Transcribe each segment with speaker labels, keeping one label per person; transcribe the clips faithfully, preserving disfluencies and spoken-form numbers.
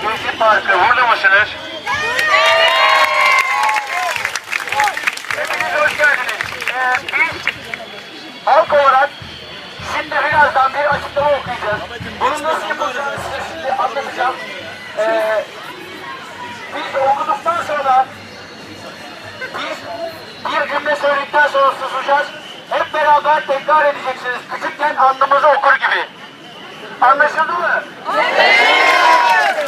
Speaker 1: Gezi Parkı burada mısınız? Hepiniz hoş geldiniz. Ee, biz halk olarak şimdi birazdan bir açıklama okuyacağız. Bunun nasıl yapılacağını size şimdi anlatacağım. Ee, biz okuduktan sonra biz bir cümle söyledikten sonra susacağız. Hep beraber tekrar edeceksiniz. Küçükken andımızı okur gibi. Anlaşıldı mı? Evet.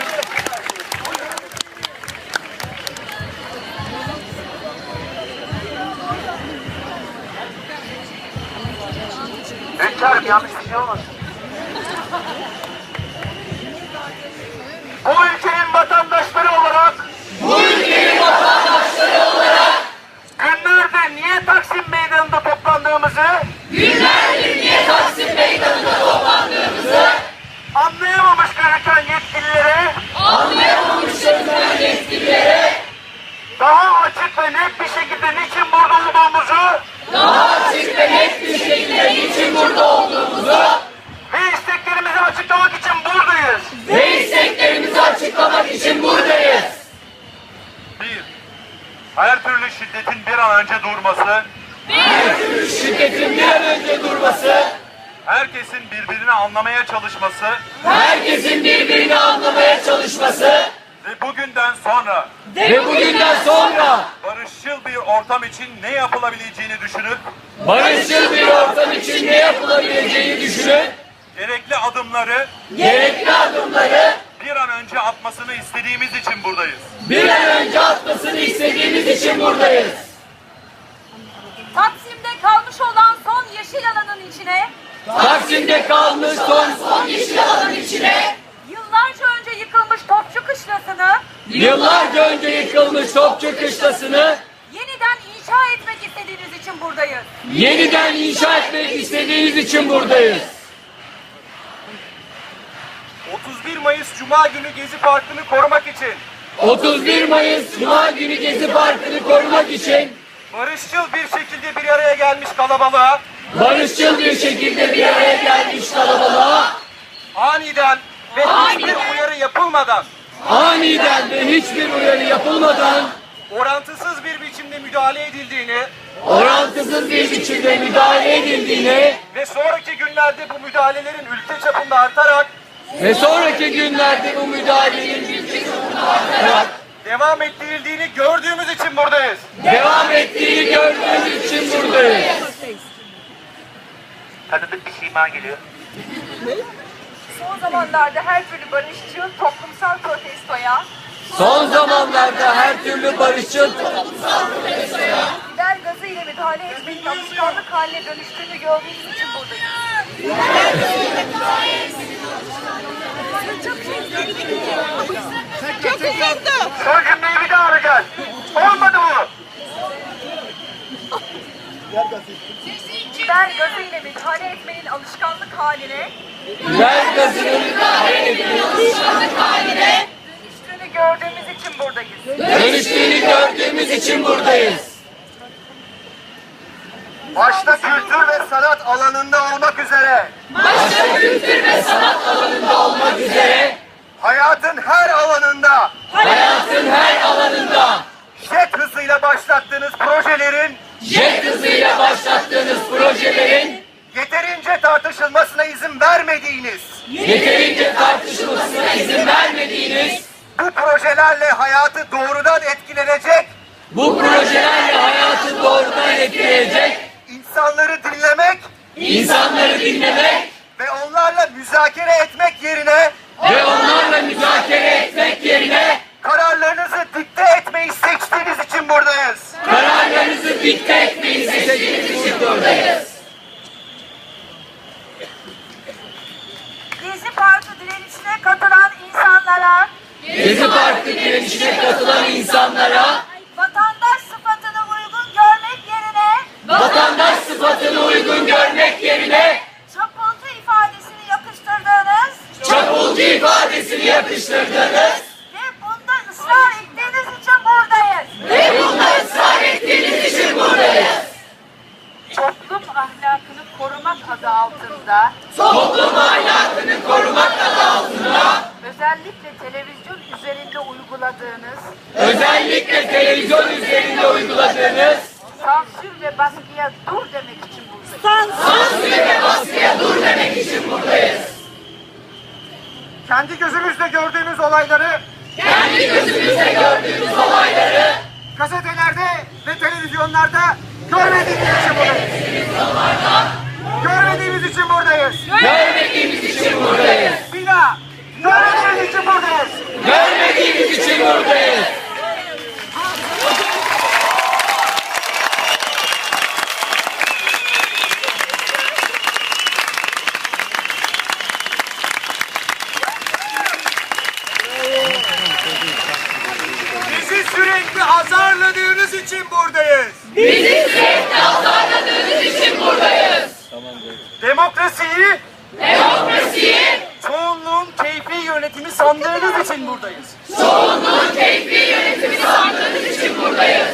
Speaker 1: Hünkârım yanlış bir şey olmasın. Bu ülkenin vatandaşları olarak
Speaker 2: Bu ülkenin vatandaşları olarak
Speaker 1: günlerdir niye Taksim Meydanı'nda toplandığımızı
Speaker 2: günlerdir niye Taksim Meydanı'nda toplandığımızı
Speaker 1: anlayamamış gözüken yetkililere
Speaker 2: anlayamamış gözüken yetkililere
Speaker 1: daha açık ve net bir şekilde niçin burada olduğumuzu
Speaker 2: daha açık ve net bir şekilde niçin burada olduğumuzu
Speaker 1: ve isteklerimizi açıklamak için buradayız.
Speaker 2: ve isteklerimizi açıklamak için buradayız.
Speaker 3: Bir, her türlü şiddetin bir an önce durması,
Speaker 2: Her türlü şiddetin bir an önce durması,
Speaker 3: herkesin birbirini anlamaya çalışması
Speaker 2: herkesin birbirini anlamaya çalışması
Speaker 3: ve bugünden sonra
Speaker 2: ve bugünden sonra
Speaker 3: barışçıl bir ortam için ne yapılabileceğini düşünüp
Speaker 2: barışçıl bir ortam için ne yapılabileceğini düşünün,
Speaker 3: gerekli adımları
Speaker 2: gerekli adımları
Speaker 3: bir an önce atmasını istediğimiz için buradayız.
Speaker 2: bir an önce atmasını istediğimiz için buradayız.
Speaker 4: Taksim'de kalmış olan son yeşil alanın içine
Speaker 2: Taksim'de kalmış son son yeşil alanın içine
Speaker 4: yıllarca önce yıkılmış Topçu Kışlası'nı
Speaker 2: yıllarca önce yıkılmış Topçu Kışlası'nı
Speaker 4: yeniden inşa etmek istediğiniz için buradayız.
Speaker 2: yeniden inşa etmek istediğiniz için buradayız.
Speaker 3: otuz bir Mayıs Cuma günü Gezi Parkı'nı korumak için
Speaker 2: otuz bir Mayıs Cuma günü Gezi Parkı'nı korumak için
Speaker 3: barışçıl bir şekilde bir araya gelmiş kalabalığa
Speaker 2: barışçıl bir şekilde bir araya gelmiş kalabalığa
Speaker 3: aniden ve hiçbir uyarı yapılmadan
Speaker 2: aniden ve hiçbir uyarı yapılmadan
Speaker 3: orantısız bir biçimde müdahale edildiğini
Speaker 2: orantısız bir biçimde müdahale edildiğini
Speaker 3: ve sonraki günlerde bu müdahalelerin ülke çapında artarak
Speaker 2: ve sonraki günlerde bu müdahalenin
Speaker 3: devam ettirildiğini gördüğümüz için buradayız.
Speaker 2: devam ettiğini gördüğümüz için buradayız.
Speaker 1: Tanıdık bir sima geliyor.
Speaker 4: Son zamanlarda her türlü barışçıl toplumsal protestoya
Speaker 2: Son zamanlarda her türlü barışçıl
Speaker 4: biber gazı ile müdahale etmenin alışkanlık haline dönüştüğünü gördüğünüz için buradayız. Çok uzandı.
Speaker 1: Son cümleyi bir daha alacağız. Olmadı bu.
Speaker 4: Biber gazı ile müdahale etmenin alışkanlık haline
Speaker 2: biber gazının müdahale etmenin alışkanlık haline
Speaker 4: dönüştüğünü gördüğümüz için buradayız.
Speaker 2: dönüştüğünü gördüğümüz için buradayız.
Speaker 1: Başta kültür ve sanat alanında olmak üzere
Speaker 2: Başta kültür ve sanat alanında olmak üzere
Speaker 1: hayatın her alanında
Speaker 2: hayatın her alanında
Speaker 1: jet hızıyla başlattığınız projelerin
Speaker 2: jet hızıyla başlattığınız projelerin
Speaker 1: yeterince tartışılmasına izin vermediğiniz,
Speaker 2: yeterince tartışılmasına izin vermediğiniz,
Speaker 1: bu projelerle hayatı doğrudan etkilenecek,
Speaker 2: bu projelerle hayatı doğrudan etkileyecek,
Speaker 1: insanları dinlemek
Speaker 2: insanları dinlemek
Speaker 1: ve onlarla müzakere etmek yerine
Speaker 2: ve onlarla müzakere etmek yerine
Speaker 1: kararlarınızı dikte etmeyi seçtiğiniz için buradayız.
Speaker 2: kararlarınızı dikte etmeyi seçtiğiniz için buradayız.
Speaker 4: Gezi Parkı direnişine katılan insanlara
Speaker 2: Gezi Parkı direnişine katılan insanlara
Speaker 4: vatandaş sıfatını uygun görmek yerine
Speaker 2: vatandaş sıfatını uygun görmek yerine
Speaker 4: çapulcu ifadesini yakıştırdığınız
Speaker 2: çapulcu ifadesini yakıştırdınız
Speaker 4: ve bunda ısrar ettiğiniz için buradayız.
Speaker 2: ve bunda ısrar ettiğiniz için buradayız.
Speaker 4: Toplum ahlakını korumak adı altında
Speaker 2: Toplum ahlakını korumak adı altında
Speaker 4: özellikle televizyon üzerinde uyguladığınız
Speaker 2: özellikle televizyon üzerinde uyguladığınız
Speaker 4: sansür ve baskıya dur demek için buradayız.
Speaker 2: sansür ve baskıya dur demek için buradayız.
Speaker 1: Kendi gözümüzle gördüğümüz olayları
Speaker 2: Kendi gözümüzle gördüğümüz olayları
Speaker 1: gazetelerde ve televizyonlarda görmediğimiz için buradayız. Görmediğimiz için buradayız.
Speaker 2: görmediğimiz için buradayız.
Speaker 1: Bir daha. Görmediğimiz için buradayız.
Speaker 2: Görmediğimiz için buradayız.
Speaker 1: Bizi sürekli azarladığınız için buradayız.
Speaker 2: Bizi sürekli azarladığınız için buradayız.
Speaker 1: Demokrasiyi,
Speaker 2: Demokrasiyi
Speaker 1: çoğunluğun keyfi yönetimi sandığınız için buradayız.
Speaker 2: çoğunluğun keyfi yönetimi sandığınız için buradayız.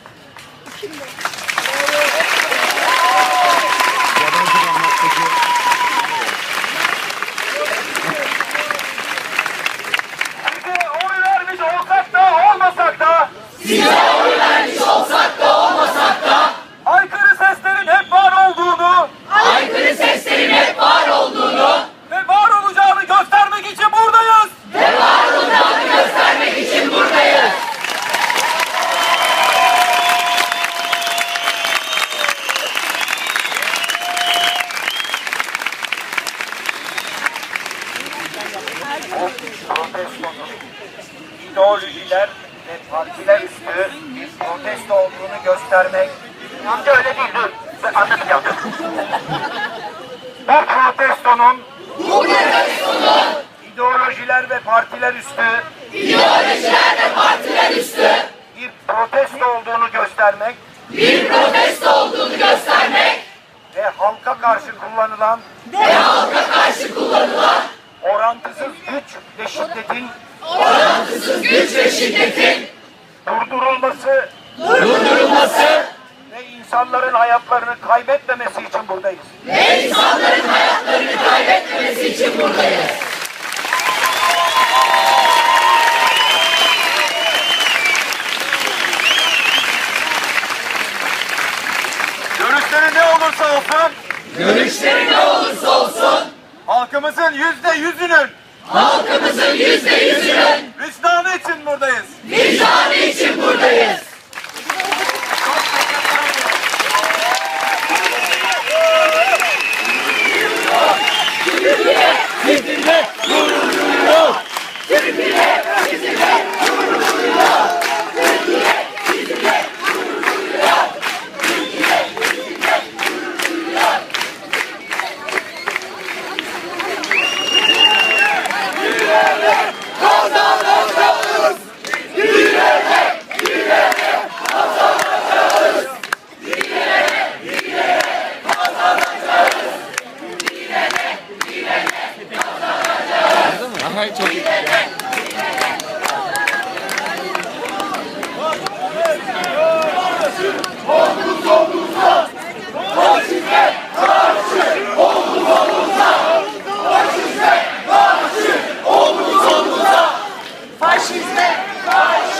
Speaker 1: Size oy vermiş olsak da olmasak da,
Speaker 2: Size oy vermiş olsak da olmasak da
Speaker 1: aykırı seslerin hep var olduğunu
Speaker 2: aykırı seslerin hep var olduğunu
Speaker 1: ve var olacağını göstermek için buradayız.
Speaker 2: ve var olacağını göstermek için buradayız.
Speaker 1: Protestonun ideolojiler ve partiler üstü bir protesto olduğunu göstermek. Amca öyle değil, dur. Ben anlatacağım. Bu protestonun ideolojiler ve partiler üstü
Speaker 2: İdeolojiler ve partiler üstü
Speaker 1: bir protesto olduğunu göstermek
Speaker 2: bir protesto olduğunu göstermek
Speaker 1: ve halka karşı kullanılan
Speaker 2: ve halka karşı kullanılan
Speaker 1: orantısız güç ve şiddetin
Speaker 2: orantısız güç ve şiddetin
Speaker 1: durdurulması
Speaker 2: durdurulması
Speaker 1: ve insanların hayatlarını kaybetmemesi için buradayız.
Speaker 2: ve insanların hayatlarını kaybetmemesi için buradayız.
Speaker 1: Görüşleri ne olursa olsun
Speaker 2: Görüşleri ne olursa olsun
Speaker 1: halkımızın yüzde yüzünün
Speaker 2: halkımızın yüzde yüzünün
Speaker 1: vicdanı için buradayız.
Speaker 2: vicdanı için buradayız. Sizinle gurur duyuyor. Türkiye sizinle gurur duyuyor. Türkiye sizinle gurur duyuyor. Türkiye sizinle gurur duyuyor. Yürüyerek kazanacağız. Yürüyerek, yürüyerek kazanacağız. Yürüyerek, yürüyerek kazanacağız. Yürüyerek, yürüyerek kazanacağız. Aha çok iyi. Omuz omuza, faşizme karşı omuz omuza, faşizme karşı omuz omuza, faşizme karşı